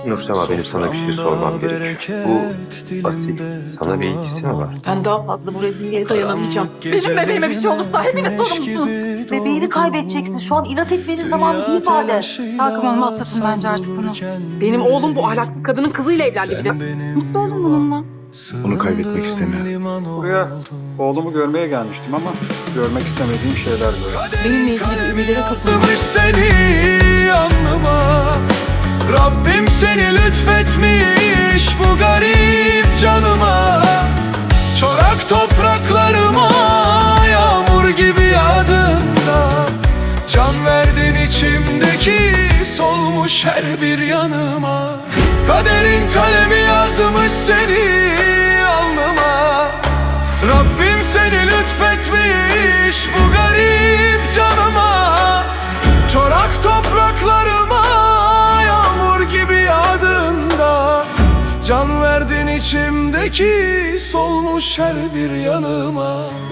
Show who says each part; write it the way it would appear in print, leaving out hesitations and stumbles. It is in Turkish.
Speaker 1: Nursema, benim sana bir şey sormam gerekiyor. Bu Asil sana bir ilgisi mi var?
Speaker 2: Ben daha fazla bu rezilliğe dayanamayacağım. Benim bebeğime bir şey olursa hepimiz sorumlusunuz.
Speaker 3: Bebeğini kaybedeceksin. Şu an inat etmenin zamanı değil bade.
Speaker 4: Sakın olma, atlatın bence artık bunu.
Speaker 2: Benim oğlum bu ahlaksız kadının kızıyla evlendi bir de.
Speaker 4: Mutlu olun bununla.
Speaker 5: Onu kaybetmek istemiyorum.
Speaker 6: Buraya oğlumu görmeye gelmiştim ama görmek istemediğim şeyler gördüm.
Speaker 2: Benimle ilgili ümidlere kapılmış.
Speaker 7: Yazmış seni alnıma, Rabbim seni lütfetmiş bu garip canıma. Çorak topraklarıma yağmur gibi yağdığında, can verdin içimdeki solmuş her bir yanıma. Kaderin kalemi yazmış seni alnıma, Rabbim seni lütfetmiş bu garip canıma. Çorak topraklarıma yağmur gibi yağdığında, can verdin içimdeki solmuş her bir yanıma.